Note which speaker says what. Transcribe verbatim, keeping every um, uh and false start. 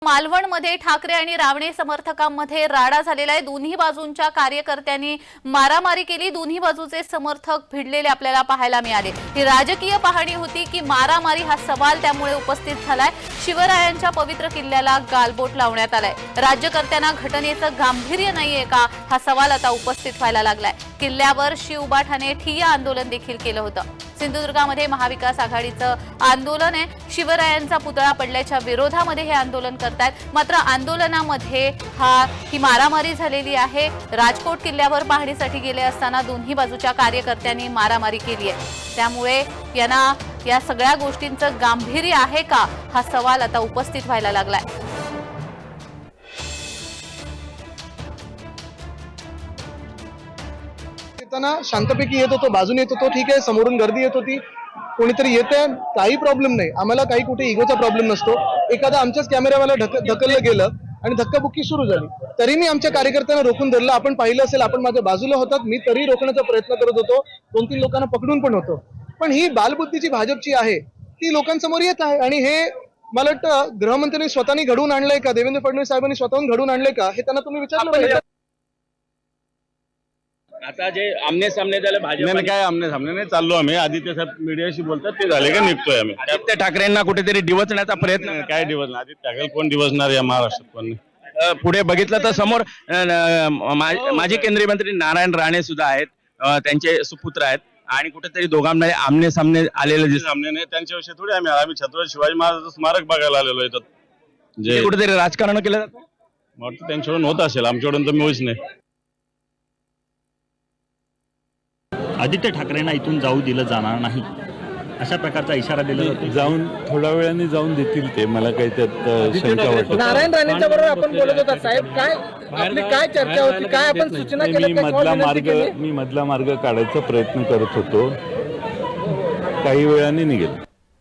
Speaker 1: मालवणमध्ये ठाकरे आणि रावणे समर्थकांमध्ये राडा झालेला आहे। दोन्ही बाजूंच्या कार्यकर्त्यांनी मारामारी केली। दोन्ही बाजूचे समर्थक भिडलेले आपल्याला पाहायला मिळाले। ही राजकीय पाहणी होती की मारामारी हा सवाल त्यामुळे उपस्थित झालाय। शिवरायांच्या पवित्र किल्ल्याला गालबोट लावण्यात आलाय। राज्यकर्त्यांना घटनेचं गांभीर्य नाहीये का हा सवाल आता उपस्थित व्हायला लागलाय। किल्ल्यावर शिवबाठाने ठिय्या आंदोलन देखील केलं होतं। सिंधुदुर्गामध्ये महाविकास आघाडीचं आंदोलन आहे। शिवरायांचा पुतळा पडल्याच्या विरोधामध्ये हे आंदोलन करतायत। मात्र आंदोलनामध्ये हा ही मारामारी झालेली आहे। राजकोट किल्ल्यावर पाहणीसाठी गेले असताना दोन्ही बाजूच्या कार्यकर्त्यांनी मारामारी केली आहे। त्यामुळे यांना या सगळ्या गोष्टींचं गांभीर्य आहे का हा सवाल आता उपस्थित व्हायला लागलाय।
Speaker 2: शांतपैकी येत होतो, बाजूने येत होतो, ठीक आहे, समोरून गर्दी येत होती, कोणीतरी येते, काही प्रॉब्लेम नाही, आम्हाला काही कुठे इगोचा प्रॉब्लेम नसतो। एखादा आमच्याच कॅमेरावाला ढकललं गेलं आणि धक्काबुक्की सुरू झाली तरी मी आमच्या कार्यकर्त्यांना रोखून धरलं। आपण पाहिलं असेल, आपण माझ्या बाजूला होतात, मी तरी रोखण्याचा प्रयत्न करत होतो, दोन तीन लोकांना पकडून पण होतो। पण ही बालबुद्धीची भाजपची आहे ती लोकांसमोर येत आहे आणि हे मला वाटतं गृहमंत्र्यांनी स्वतःनी घडवून आणलंय का, देवेंद्र फडणवीस साहेबांनी स्वतःहून घडवून आणलंय का हे त्यांना तुम्ही विचारलं पाहिजे।
Speaker 3: आता जे आमने सामने झाले भाजप
Speaker 4: काय आमने सामने नाही चाललो आम्ही। आदित्य साहेब मीडियाशी बोलतात ते झाले का निघतोय आम्ही।
Speaker 3: आदित्य ठाकरेंना कुठेतरी डिवचण्याचा प्रयत्न
Speaker 4: काय डिवचणार? आदित्य ठाकरे कोण डिवचणार या महाराष्ट्रात? कोण
Speaker 3: अ, पुढे बघितलं तर समोर अ, न, मा- माजी केंद्रीय मंत्री नारायण राणे सुद्धा आहेत, अ, त्यांचे सुपुत्र आहेत आणि कुठेतरी दोघांना आमने सामने आलेले दिसत।
Speaker 4: सामने नाही त्यांच्याविषयी थोडी आम्ही आम्ही छत्रपती शिवाजी महाराजांचं स्मारक बघायला आलेलो आहे।
Speaker 3: जे कुठेतरी राजकारण केलं जातं,
Speaker 4: वाटतं त्यांच्याकडून होत असेल, आमच्याकडून तर मिळूच नाही।
Speaker 5: आदित्य ठाकरेंना इथून जाऊ दिलं जाणार नाही अशा प्रकारचा इशारा दिला जातो।
Speaker 6: जाऊन थोड्या वेळाने जाऊन देतील ते, मला काही त्यात शंका वाटत।
Speaker 2: नारायण राणेंच्या बरोबर आपण बोलत होता साहेब, काय आपली काय चर्चा होती, काय आपण सूचना
Speaker 6: मी
Speaker 2: केल्या,
Speaker 6: मधला मार्ग मी मधला मार्ग काढायचा प्रयत्न करत होतो, काही वेळाने निघेल।